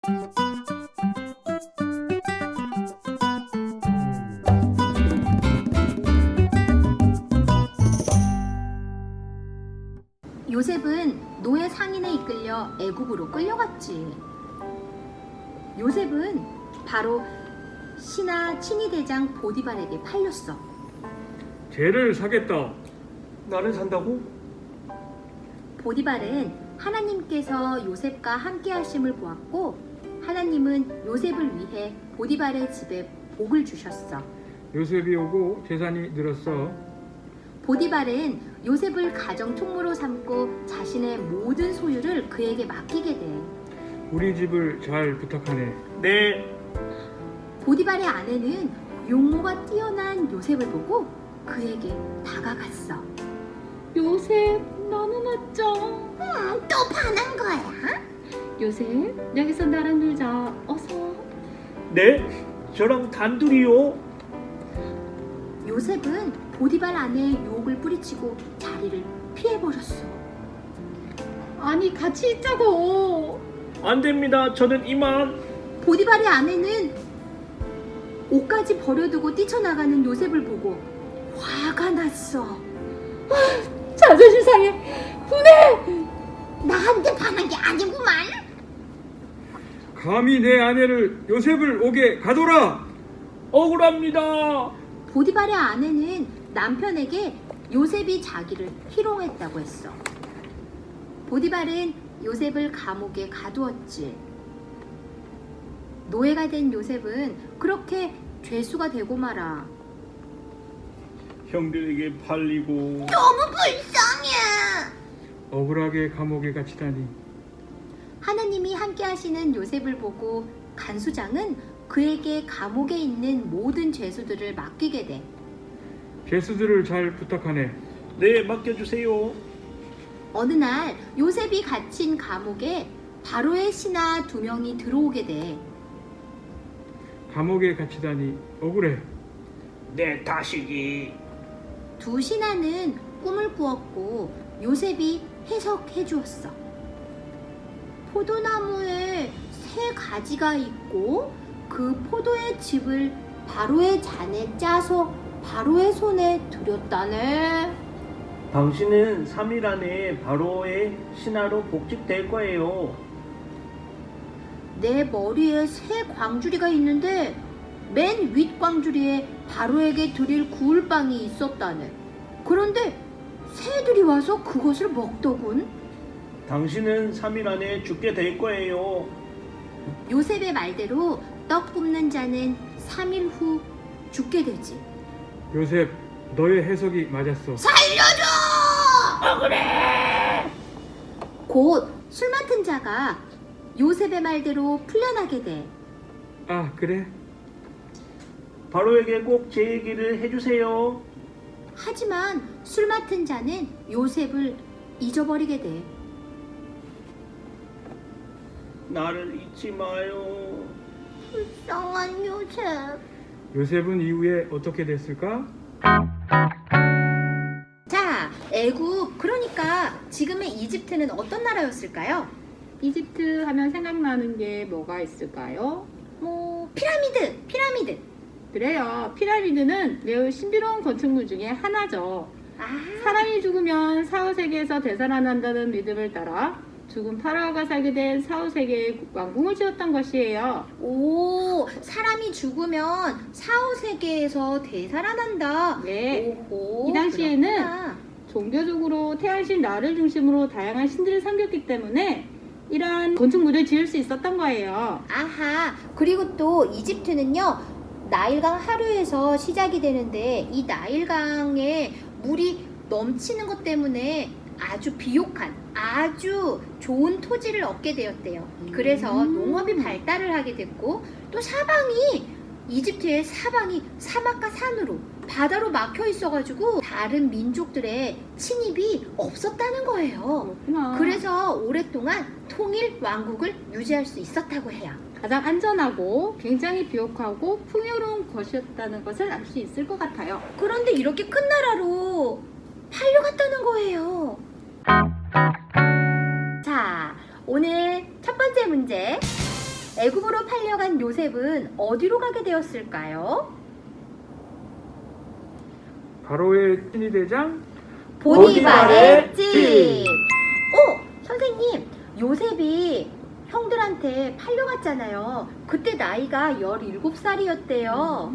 요셉은 노예 상인에 이끌려 애굽으로 끌려갔지. 요셉은 바로 신하 친위대장 보디발에게 팔렸어. 쟤를 사겠다. 나를 산다고? 보디발은 하나님께서 요셉과 함께 하심을 보았고 하나님은 요셉을 위해 보디발의 집에 복을 주셨어. 요셉이 오고 재산이 늘었어. 보디발은 요셉을 가정 총무로 삼고 자신의 모든 소유를 그에게 맡기게 돼. 우리 집을 잘 부탁하네. 네. 보디발의 아내는 용모가 뛰어난 요셉을 보고 그에게 다가갔어. 요셉, 너무 멋져. 또 반한 거야? 요셉, 여기서 나랑 놀자. 어서. 네? 저랑 단둘이요? 요셉은 보디발 아내의 유혹을 뿌리치고 자리를 피해버렸어. 아니, 같이 있자고. 안 됩니다. 저는 이만. 보디발의 아내는 옷까지 버려두고 뛰쳐나가는 요셉을 보고 화가 났어. 자존심 상해. 분해. 나한테 반한 게 아니구만. 감히 내 아내를 요셉을 오게 가둬라. 억울합니다. 보디발의 아내는 남편에게 요셉이 자기를 희롱했다고 했어. 보디발은 요셉을 감옥에 가두었지. 노예가 된 요셉은 그렇게 죄수가 되고 말아. 형들에게 팔리고. 너무 불쌍해. 억울하게 감옥에 갇히다니. 하나님이 함께 하시는 요셉을 보고 간수장은 그에게 감옥에 있는 모든 죄수들을 맡기게 돼. 죄수들을 잘 부탁하네. 네, 맡겨주세요. 어느 날 요셉이 갇힌 감옥에 바로의 신하 2명이 들어오게 돼. 감옥에 갇히다니 억울해. 내 다시기. 두 신하는 꿈을 꾸었고 요셉이 해석해 주었어. 포도나무에 3가지가 있고 그 포도의 즙을 바로의 잔에 짜서 바로의 손에 들였다네. 당신은 3일 안에 바로의 신하로 복직될 거예요. 내 머리에 3광주리가 있는데 맨 윗 광주리에 바로에게 드릴 구울빵이 있었다네. 그런데 새들이 와서 그것을 먹더군. 당신은 3일 안에 죽게 될 거예요. 요셉의 말대로 떡 굽는 자는 3일 후 죽게 되지. 요셉, 너의 해석이 맞았어. 곧 술 맡은 자가 요셉의 말대로 풀려나게 돼. 아, 그래? 바로에게 꼭 제 얘기를 해주세요. 하지만 술 맡은 자는 요셉을 잊어버리게 돼. 나를 잊지 마요. 불쌍한 요셉. 요셉은 이후에 어떻게 됐을까? 자, 애굽, 그러니까 지금의 이집트는 어떤 나라였을까요? 이집트 하면 생각나는 게 뭐가 있을까요? 피라미드. 그래요. 피라미드는 매우 신비로운 건축물 중에 하나죠. 아, 사람이 죽으면 사후세계에서 되살아난다는 믿음을 따라 죽은 파라오가 살게 된 사후세계의 왕궁을 지었던 것이에요. 오, 사람이 죽으면 사후세계에서 되살아난다. 네. 오호, 이 당시에는 그렇구나. 종교적으로 태양신 라를 중심으로 다양한 신들을 섬겼기 때문에 이러한 건축물을 지을 수 있었던 거예요. 아하, 그리고 또 이집트는요, 나일강 하류에서 시작이 되는데 이 나일강에 물이 넘치는 것 때문에 아주 비옥한, 아주 좋은 토지를 얻게 되었대요. 그래서 농업이 발달을 하게 됐고, 또 이집트의 사방이 사막과 산으로, 바다로 막혀 있어가지고 다른 민족들의 침입이 없었다는 거예요. 그렇구나. 그래서 오랫동안 통일 왕국을 유지할 수 있었다고 해요. 가장 안전하고 굉장히 비옥하고 풍요로운 것이었다는 것을 알 수 있을 것 같아요. 그런데 이렇게 큰 나라로 팔려갔다는 거예요. 자, 오늘 첫 번째 문제. 애굽으로 팔려간 요셉은 어디로 가게 되었을까요? 바로의 친위대장 보디발의 집. 선생님, 요셉이 형들한테 팔려갔잖아요. 그때 나이가 17살이었대요.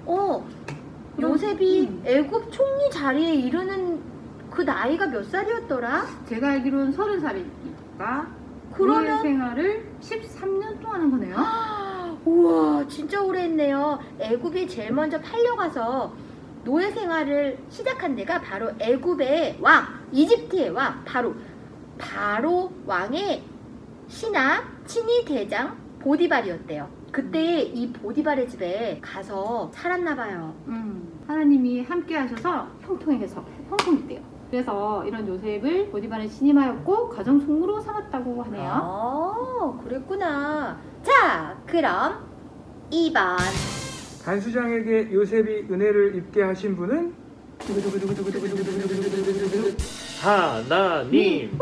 요셉이 애굽 총리 자리에 이르는 그 나이가 몇 살이었더라? 제가 알기로는 30살이니까 그러면- 노예 생활을 13년 동안 한 거네요. 우와, 진짜 오래 했네요. 애굽이 제일 먼저 팔려가서 노예 생활을 시작한 데가 바로 애굽의 왕, 이집트의 왕, 바로 왕의 신하 친위 대장 보디발이었대요. 그때 이 보디발의 집에 가서 살았나 봐요. 하나님이 함께 하셔서 형통했대요. 그래서 이런 요셉을 보디발에 신임하였고 가정 총무로 삼았다고 하네요. 그랬구나. 자, 그럼 2번. 간수장에게 요셉이 은혜를 입게 하신 분은 하나님.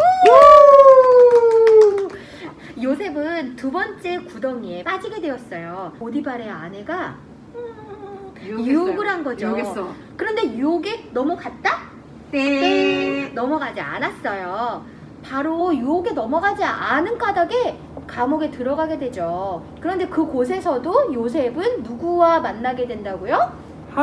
요셉은 두 번째 구덩이에 빠지게 되었어요. 보디발의 아내가 유혹을 한 거죠. 유혹했어. 그런데 유혹에 넘어갔다? 네. 넘어가지 않았어요. 바로 유혹에 넘어가지 않은 까닭에 감옥에 들어가게 되죠. 그런데 그곳에서도 요셉은 누구와 만나게 된다고요?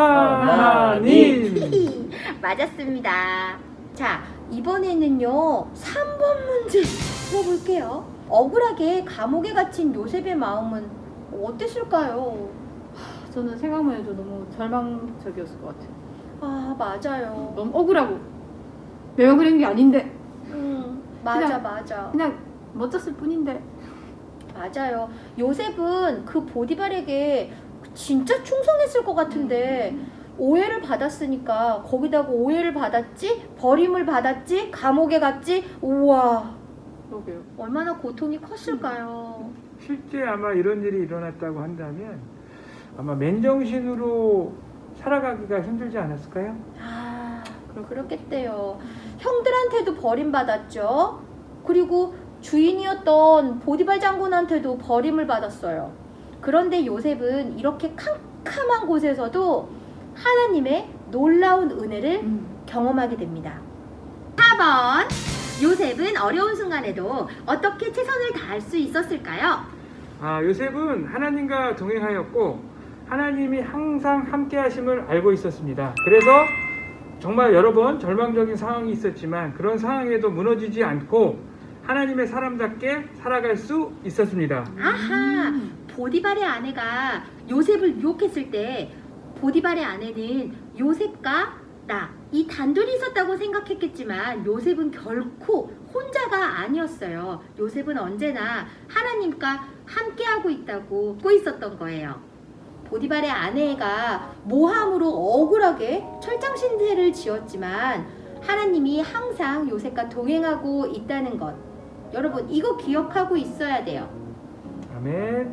하나님. 맞았습니다. 자, 이번에는요 3번 문제 풀어볼게요. 억울하게 감옥에 갇힌 요셉의 마음은 어땠을까요? 저는 생각만 해도 너무 절망적이었을 것 같아요. 맞아요. 너무 억울하고 내가 그런 게 아닌데 맞아. 그냥 멋졌을 뿐인데. 맞아요. 요셉은 그 보디발에게 진짜 충성했을 것 같은데 오해를 받았으니까 거기다가 오해를 받았지, 버림을 받았지, 감옥에 갔지. 우와, 그러게요. 얼마나 고통이 컸을까요? 실제 아마 이런 일이 일어났다고 한다면 아마 맨정신으로 살아가기가 힘들지 않았을까요? 그렇겠대요. 형들한테도 버림받았죠. 그리고 주인이었던 보디발 장군한테도 버림을 받았어요. 그런데 요셉은 이렇게 캄캄한 곳에서도 하나님의 놀라운 은혜를 경험하게 됩니다. 4번. 요셉은 어려운 순간에도 어떻게 최선을 다할 수 있었을까요? 요셉은 하나님과 동행하였고 하나님이 항상 함께 하심을 알고 있었습니다. 그래서 정말 여러 번 절망적인 상황이 있었지만 그런 상황에도 무너지지 않고 하나님의 사람답게 살아갈 수 있었습니다. 보디발의 아내가 요셉을 유혹했을 때 보디발의 아내는 요셉과 이 단둘이 있었다고 생각했겠지만 요셉은 결코 혼자가 아니었어요. 요셉은 언제나 하나님과 함께하고 있다고 믿고 있었던 거예요. 보디발의 아내가 모함으로 억울하게 철장신세를 지었지만 하나님이 항상 요셉과 동행하고 있다는 것, 여러분 이거 기억하고 있어야 돼요. 아멘.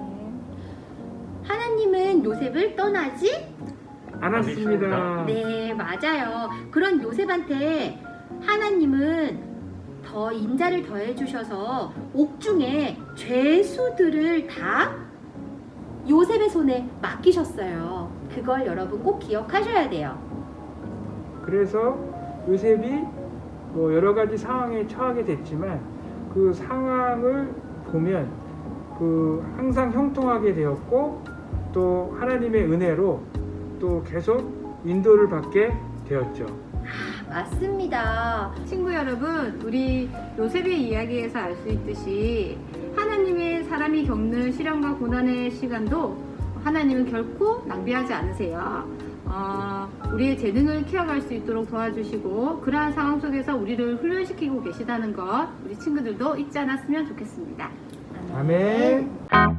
하나님은 요셉을 떠나지 않았습니다. 네, 맞아요. 그런 요셉한테 하나님은 더 인자를 더해 주셔서 옥중에 죄수들을 다 요셉의 손에 맡기셨어요. 그걸 여러분 꼭 기억하셔야 돼요. 그래서 요셉이 여러 가지 상황에 처하게 됐지만 그 상황을 보면 항상 형통하게 되었고 또 하나님의 은혜로 또 계속 인도를 받게 되었죠. 맞습니다. 친구 여러분, 우리 요셉의 이야기에서 알 수 있듯이 하나님의 사람이 겪는 시련과 고난의 시간도 하나님은 결코 낭비하지 않으세요. 우리의 재능을 키워갈 수 있도록 도와주시고 그러한 상황 속에서 우리를 훈련시키고 계시다는 것 우리 친구들도 잊지 않았으면 좋겠습니다. 아멘.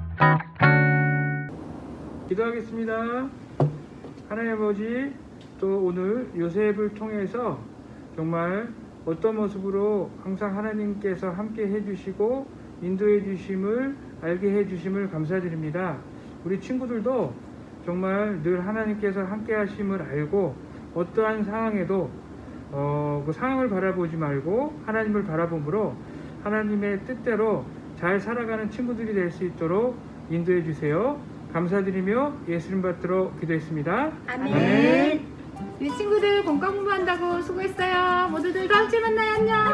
기도하겠습니다. 하나님 아버지, 또 오늘 요셉을 통해서 정말 어떤 모습으로 항상 하나님께서 함께 해주시고 인도해 주심을 알게 해주심을 감사드립니다. 우리 친구들도 정말 늘 하나님께서 함께 하심을 알고 어떠한 상황에도 그 상황을 바라보지 말고 하나님을 바라봄으로 하나님의 뜻대로 잘 살아가는 친구들이 될 수 있도록 인도해 주세요. 감사드리며 예수님 받들어 기도했습니다. 아멘. 우리 친구들 공과 공부한다고 수고했어요. 모두들 다음 주에 만나요. 안녕.